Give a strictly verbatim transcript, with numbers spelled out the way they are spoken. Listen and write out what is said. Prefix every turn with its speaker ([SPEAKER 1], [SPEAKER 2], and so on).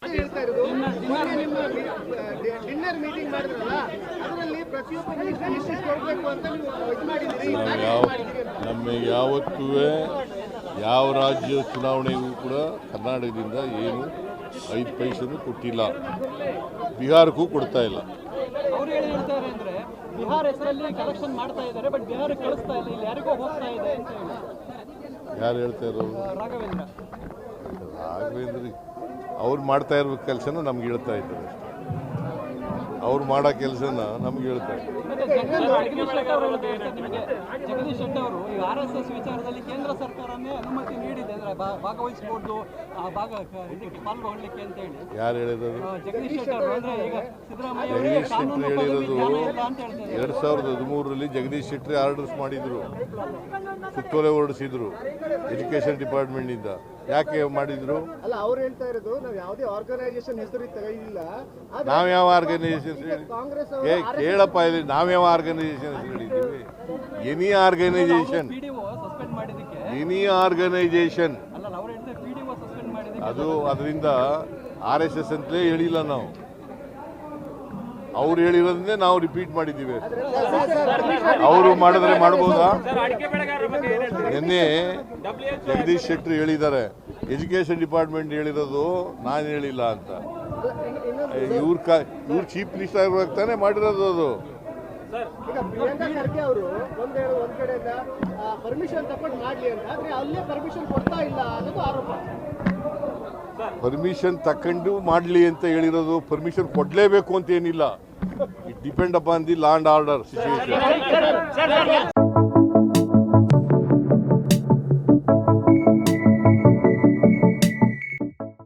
[SPEAKER 1] ಅಷ್ಟೇ ಹೇಳ್ತಾ ಇರೋದು. ಮೊನ್ನೆ ನಿಮ್ಮ ಡಿನ್ನರ್ ಮೀಟಿಂಗ್ ಮಾಡಿದ್ರಲ್ಲ, ಅದರಲ್ಲಿ ಪ್ರತಿಯೊಬ್ಬ ಮಿನಿಸ್ಟರ್ ಇಷ್ಟಿಷ್ಟು ಕೊಡಬೇಕು ಅಂತ ನೀವು ಇದು ಮಾಡಿದ್ದೀರಿ.
[SPEAKER 2] ನಮಗೆ ಯಾವತ್ತೂ ಯಾವ ರಾಜ್ಯ ಚುನಾವಣೆಗೂ ಕೂಡ ಕರ್ನಾಟಕದಿಂದ ಏನು ಐದು ಪೈಸೆನೂ ಕೊಟ್ಟಿಲ್ಲ, ಬಿಹಾರಕ್ಕೂ ಕೊಡ್ತಾ ಇಲ್ಲ.
[SPEAKER 3] ಅವ್ರು ಏನು ಹೇಳ್ತಾರೆ ಅಂದ್ರೆ ಬಿಹಾರ ಹೆಸರಲ್ಲಿ ಕಲೆಕ್ಷನ್ ಮಾಡ್ತಾ ಇದ್ದಾರೆ, ಬಟ್ ಬಿಹಾರಕ್ಕೆ ಕಳಿಸ್ತಾ ಇಲ್ಲ, ಇಲ್ಲಿ ಯಾರಿಗೋ ಹೋಗ್ತಾ ಇದೆ ಅಂತ ಹೇಳಿ.
[SPEAKER 2] ಯಾರು ಹೇಳ್ತಾ ಇರೋರು?
[SPEAKER 3] ರಾಘವೇಂದ್ರ
[SPEAKER 2] ರಾಘವೇಂದ್ರ ಅವ್ರು ಮಾಡ್ತಾ ಇರೋ ಕೆಲಸನ ನಮ್ಗೆ ಹೇಳ್ತಾ ಇದ್ದಾರೆ ಅಷ್ಟೇ. ಅವ್ರು ಮಾಡೋ ಕೆಲಸನ ನಮ್ಗೆ ಹೇಳ್ತಾ ಇದ್ದಾರೆ.
[SPEAKER 3] ಜಗದೀಶ್ ಶೆಟ್ಟರ್ ಅವರು ನಿಮಗೆ ಜಗದೀಶ್ ಶೆಟ್ಟರ್ ಅವರು ಈ ಆರ್ ಎಸ್ ಎಸ್ ವಿಚಾರದಲ್ಲಿ ಕೇಂದ್ರ ಸರ್ಕಾರನೇ ಅನುಮತಿ ನೀಡಿದೆ ಅಂದ್ರೆ ಭಾಗವಹಿಸಬಹುದು, ಆ ಭಾಗ ಇದಕ್ಕೆ ಪಾಲ್ಗೊಳ್ಳಿಕ್ಕೆ ಅಂತ ಹೇಳಿ.
[SPEAKER 2] ಯಾರು ಹೇಳಿರೋದು?
[SPEAKER 3] ಜಗದೀಶ್ ಶೆಟ್ಟರ್ ಅವರು ಅಂದ್ರೆ ಈಗ ಸಿದ್ದರಾಮಯ್ಯ
[SPEAKER 2] ಜಗದೀಶ್ ಶೆಟ್ಟರ್ ಹೇಳಿರೋದು
[SPEAKER 3] ಅಂತ ಹೇಳ್ತಾರೆ.
[SPEAKER 2] ಎರಡ್ ಸಾವಿರದ ಹದಿಮೂರರಲ್ಲಿ ಜಗದೀಶ್ ಶೆಟ್ಟರ್ ಆರ್ಡರ್ಸ್ ಮಾಡಿದ್ರು, ಸುತ್ತೋಲೆ ಹೊರಡಿಸಿದ್ರು ಎಜುಕೇಶನ್ ಡಿಪಾರ್ಟ್ಮೆಂಟ್ ಇಂದ. ಯಾಕೆ ಮಾಡಿದ್ರು?
[SPEAKER 1] ಅಲ್ಲ, ಅವ್ರು ಹೇಳ್ತಾ ಇರೋದು ನಾವು ಯಾವುದೇ ಆರ್ಗನೈಸೇಷನ್ ಹೆಸರು ತೆಗೆದಿಲ್ಲ.
[SPEAKER 2] ನಾವ್ ಯಾವ ಆರ್ಗನೈಸೇಷನ್
[SPEAKER 1] ಕಾಂಗ್ರೆಸ್
[SPEAKER 2] ಕೇಳಪ್ಪ, ಇಲ್ಲಿ ನಾವ್ಯಾವ ಆರ್ಗನೈಸೇಷನ್ ಹೇಳಿದ್ದೀವಿ? ಎನಿ ಆರ್ಗನೈಸೇಷನ್,
[SPEAKER 3] ಸಸ್ಪೆಂಡ್ ಮಾಡಿದಕ್ಕೆ
[SPEAKER 2] ಎನಿ ಆರ್ಗನೈಸೇಷನ್
[SPEAKER 3] ಅಲ್ಲ, ಅವ್ರು ಹೇಳ್ತಾರೆ ಪಿಡಿಒ ಸಸ್ಪೆಂಡ್ ಮಾಡಿದಕ್ಕೆ
[SPEAKER 2] ಅದು ಅದರಿಂದ ಆರ್ ಎಸ್ ಎಸ್ ಅಂತಲೇ ಹೇಳಿಲ್ಲ ನಾವು. ಅವ್ರು ಹೇಳಿರೋದನ್ನೇ ನಾವು ರಿಪೀಟ್ ಮಾಡಿದ್ದೀವಿ. ಅವರು ಮಾಡಿದ್ರೆ ಮಾಡ್ಬೋದಾ? ನಿನ್ನೆ ಜಗದೀಶ್ ಶೆಟ್ಟರ್ ಹೇಳಿದ್ದಾರೆ, ಎಜುಕೇಶನ್ ಡಿಪಾರ್ಟ್ಮೆಂಟ್ ಹೇಳಿರೋದು ನಾನು ಹೇಳಿಲ್ಲ ಅಂತ. ಇವ್ರ ಕ ಇವ್ರು ಚೀಫ್ ಮಿನಿಸ್ಟರ್ ಆಗಿರುವಾಗ ತಾನೇ ಮಾಡಿರೋದು ಅದು.
[SPEAKER 1] ಈಗ ಪ್ರಿಯಾಂಕಾ ಖರ್ಗೆ ಅವರು ಒಂದ್ ಒಂದ್ ಕಡೆಯಿಂದ ಪರ್ಮಿಷನ್ ತಗೊಂಡು ಮಾಡ್ಲಿ ಅಂತ, ಆದ್ರೆ ಅಲ್ಲೇ ಪರ್ಮಿಷನ್ ಕೊಡ್ತಾ ಇಲ್ಲ ಅನ್ನೋದು ಆರೋಪ.
[SPEAKER 2] ಪರ್ಮಿಷನ್ ತಕೊಂಡು ಮಾಡ್ಲಿ ಅಂತ ಹೇಳಿರೋದು, ಪರ್ಮಿಷನ್ ಕೊಡ್ಲೇಬೇಕು ಅಂತ ಏನಿಲ್ಲ. It depend upon the law and order situation.